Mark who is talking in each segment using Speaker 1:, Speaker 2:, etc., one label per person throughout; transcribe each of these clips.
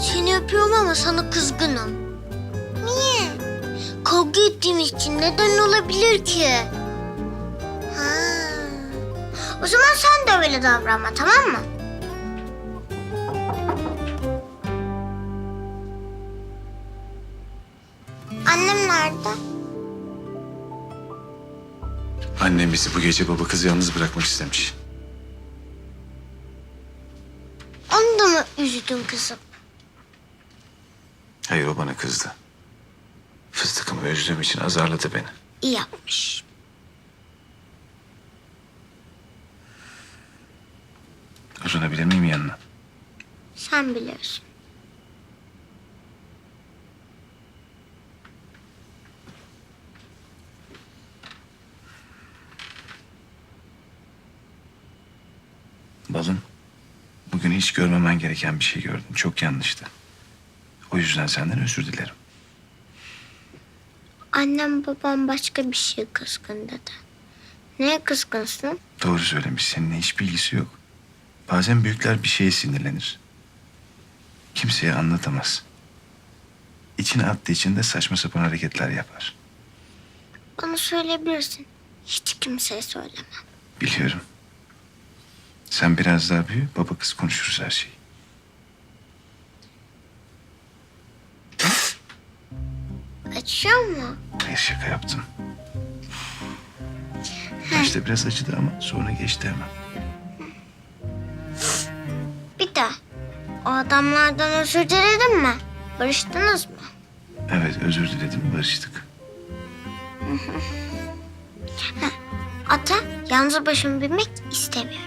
Speaker 1: Seni öpüyorum ama sana kızgınım. Niye? Kavga ettiğimiz için neden olabilir ki? Ha. O zaman sen de öyle davranma, tamam mı? Annem nerede?
Speaker 2: Annem bizi bu gece baba kızı yalnız bırakmak istemiş.
Speaker 1: Onu da mı üzdün kızım?
Speaker 2: Hayır, o bana kızdı. Fıstıkımı üzdüğüm için azarladı beni.
Speaker 1: İyi yapmış.
Speaker 2: Uzanabilir miyim yanına?
Speaker 1: Sen biliyorsun.
Speaker 2: Balım, bugün hiç görmemen gereken bir şey gördüm. Çok yanlıştı. O yüzden senden özür dilerim.
Speaker 1: Annem babam başka bir şey kızgın dedi. Neye kızgınsın?
Speaker 2: Doğru söylemiş. Seninle hiçbir ilgisi yok. Bazen büyükler bir şeye sinirlenir. Kimseye anlatamaz. İçine attığı için de saçma sapan hareketler yapar.
Speaker 1: Bana söyleyebilirsin. Hiç kimseye söyleme.
Speaker 2: Biliyorum. Sen biraz daha büyü, baba kız konuşuruz her şeyi.
Speaker 1: Açıyor mu?
Speaker 2: Hayır, şaka yaptım. Başta biraz acıdı ama sonra geçti hemen.
Speaker 1: Bir de o adamlardan özür diledin mi? Barıştınız mı?
Speaker 2: Evet, özür diledim, barıştık.
Speaker 1: Ata yalnız başıma binmek istemiyorum.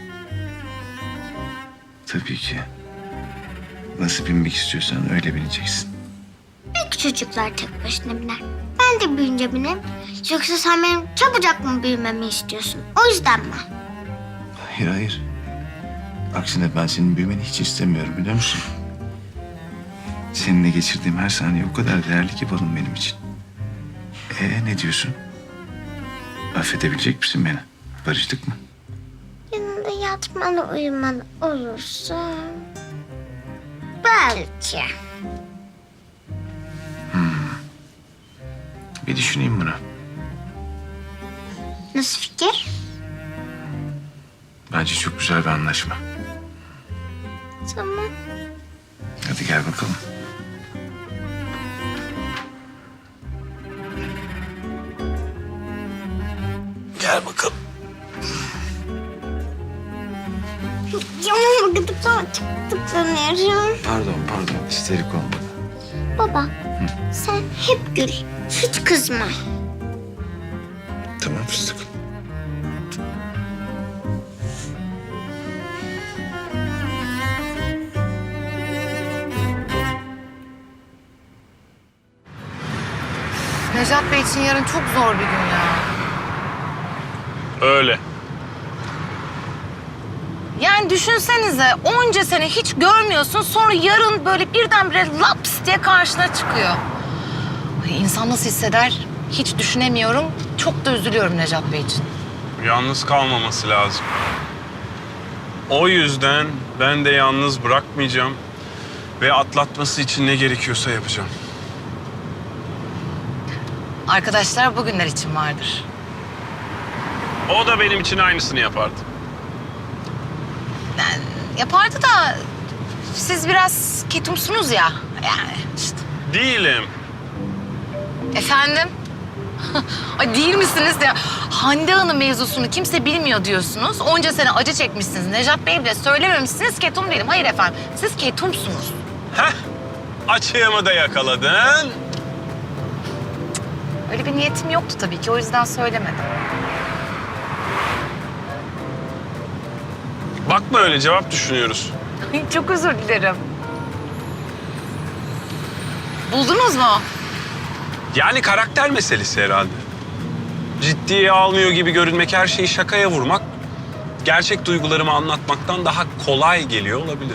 Speaker 2: Tabii ki. Nasıl binmek istiyorsan öyle bineceksin.
Speaker 1: Belki çocuklar tek başına biner. Ben de büyüyünce binerim. Yoksa sen benim çabucak mı büyümemi istiyorsun? O yüzden mi?
Speaker 2: Hayır, hayır. Aksine ben senin büyümeni hiç istemiyorum, biliyor musun? Seninle geçirdiğim her saniye o kadar değerli ki balım benim için. Ne diyorsun? Affedebilecek misin beni? Barıştık mı?
Speaker 1: Yanında yatmalı uyumalı olursa... Belki.
Speaker 2: Bir düşüneyim bunu.
Speaker 1: Nasıl fikir?
Speaker 2: Bence çok güzel bir anlaşma.
Speaker 1: Tamam.
Speaker 2: Hadi gel bakalım. Gel bakalım.
Speaker 1: Canım gıdıklama çok tıklanıyorum.
Speaker 2: Pardon. İsterik olmadı.
Speaker 1: Baba, sen hep gül. Hiç kızma.
Speaker 2: Tamam fıstık.
Speaker 3: Necat Bey için yarın çok zor bir gün ya.
Speaker 4: Öyle.
Speaker 3: Yani düşünsenize onca sene hiç görmüyorsun, sonra yarın böyle birdenbire laps diye karşına çıkıyor. Ay, İnsan nasıl hisseder hiç düşünemiyorum. Çok da üzülüyorum Necat Bey için.
Speaker 4: Yalnız kalmaması lazım. O yüzden ben de yalnız bırakmayacağım ve atlatması için ne gerekiyorsa yapacağım.
Speaker 3: Arkadaşlar bugünler için vardır.
Speaker 4: O da benim için aynısını yapardı.
Speaker 3: Yani yapardı da siz biraz ketumsunuz ya. Yani işte.
Speaker 4: Değilim.
Speaker 3: Efendim? Ay değil misiniz de Hande Hanım mevzusunu kimse bilmiyor diyorsunuz. Onca sene acı çekmişsiniz. Necat Bey bile söylememişsiniz, ketum değilim. Hayır efendim, siz ketumsunuz.
Speaker 4: Heh, açığımı da yakaladın.
Speaker 3: Öyle bir niyetim yoktu tabii ki, o yüzden söylemedim.
Speaker 4: Bakma öyle, cevap düşünüyoruz.
Speaker 3: Çok özür dilerim. Buldunuz mu?
Speaker 4: Yani karakter meselesi herhalde. Ciddiye almıyor gibi görünmek, her şeyi şakaya vurmak... gerçek duygularımı anlatmaktan daha kolay geliyor olabilir.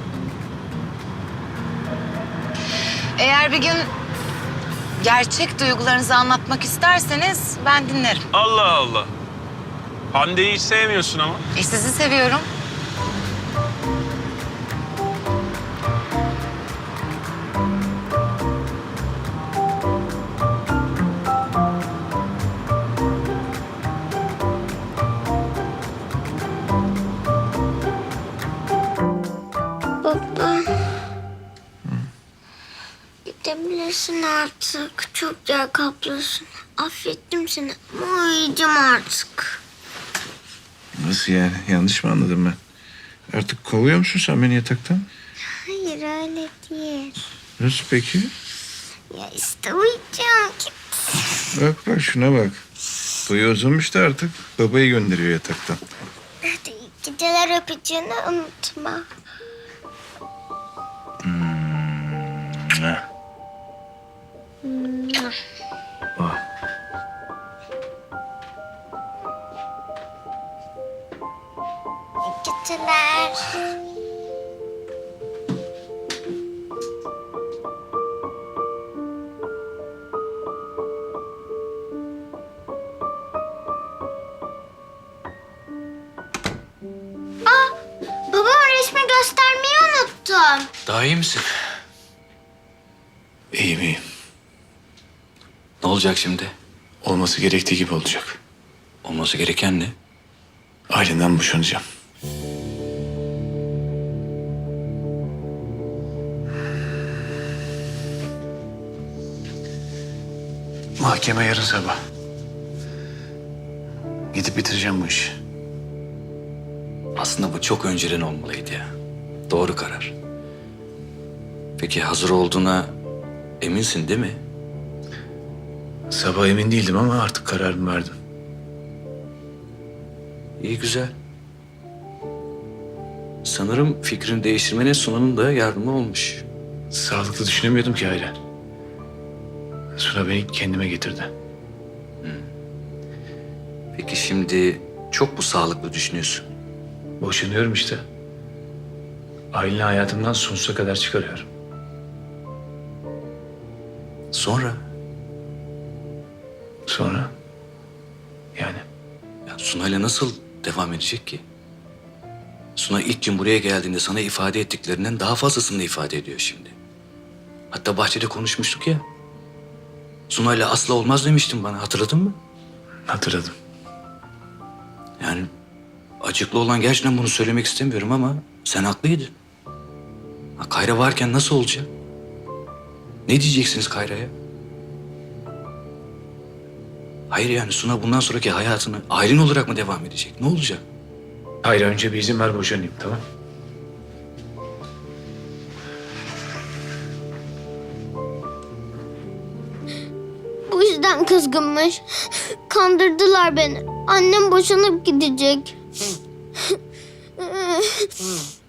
Speaker 3: Eğer bir gün gerçek duygularınızı anlatmak isterseniz ben dinlerim.
Speaker 4: Allah Allah. Hande'yi hiç sevmiyorsun ama.
Speaker 3: Sizi seviyorum.
Speaker 1: Gidebilirsin artık. Çok yer kaplıyorsun. Affettim seni ama uyuyacağım artık.
Speaker 2: Nasıl yani? Yanlış mı anladım ben? Artık kovuyor musun sen beni yataktan?
Speaker 1: Hayır öyle değil.
Speaker 2: Nasıl peki?
Speaker 1: Ya işte uyuyacağım. Git.
Speaker 2: Bak şuna bak. Boyu uzamış da artık babayı gönderiyor yataktan.
Speaker 1: Hadi iyi geceler öpeceğini unutma.
Speaker 2: Oh.
Speaker 1: İyi geceler. Babama resmi göstermeyi unuttum.
Speaker 5: Daha iyi misin?
Speaker 2: İyiyim.
Speaker 5: Ne olacak şimdi?
Speaker 2: Olması gerektiği gibi olacak.
Speaker 5: Olması gereken ne?
Speaker 2: Ailenden boşanacağım. Mahkeme yarın sabah. Gidip bitireceğim bu işi.
Speaker 5: Aslında bu çok önceden olmalıydı ya. Doğru karar. Peki hazır olduğuna eminsin değil mi?
Speaker 2: Sabah emin değildim ama artık kararımı verdim.
Speaker 5: İyi güzel. Sanırım fikrini değiştirmene Suna'nın da yardımı olmuş.
Speaker 2: Sağlıklı düşünemiyordum ki Hayri. Suna beni kendime getirdi.
Speaker 5: Peki şimdi çok mu sağlıklı düşünüyorsun?
Speaker 2: Boşanıyorum işte. Aileni hayatımdan sonsuza kadar çıkarıyorum.
Speaker 5: Sonra?
Speaker 2: Sonra? Yani
Speaker 5: Ya Suna'yla nasıl devam edecek ki? Suna ilk gün buraya geldiğinde sana ifade ettiklerinden daha fazlasını ifade ediyor şimdi. Hatta bahçede konuşmuştuk ya. Suna'yla asla olmaz demiştin bana, hatırladın mı?
Speaker 2: hatırladım.
Speaker 5: Yani acıklı olan gerçekten bunu söylemek istemiyorum ama sen haklıydın. Ha, Kayra varken nasıl olacak? Ne diyeceksiniz Kayra'ya? Hayır yani Suna bundan sonraki hayatını ailen olarak mı devam edecek? Ne olacak?
Speaker 2: Hayır önce bir izin ver boşanayım tamam.
Speaker 1: Bu yüzden kızgınmış. Kandırdılar beni. Annem boşanıp gidecek.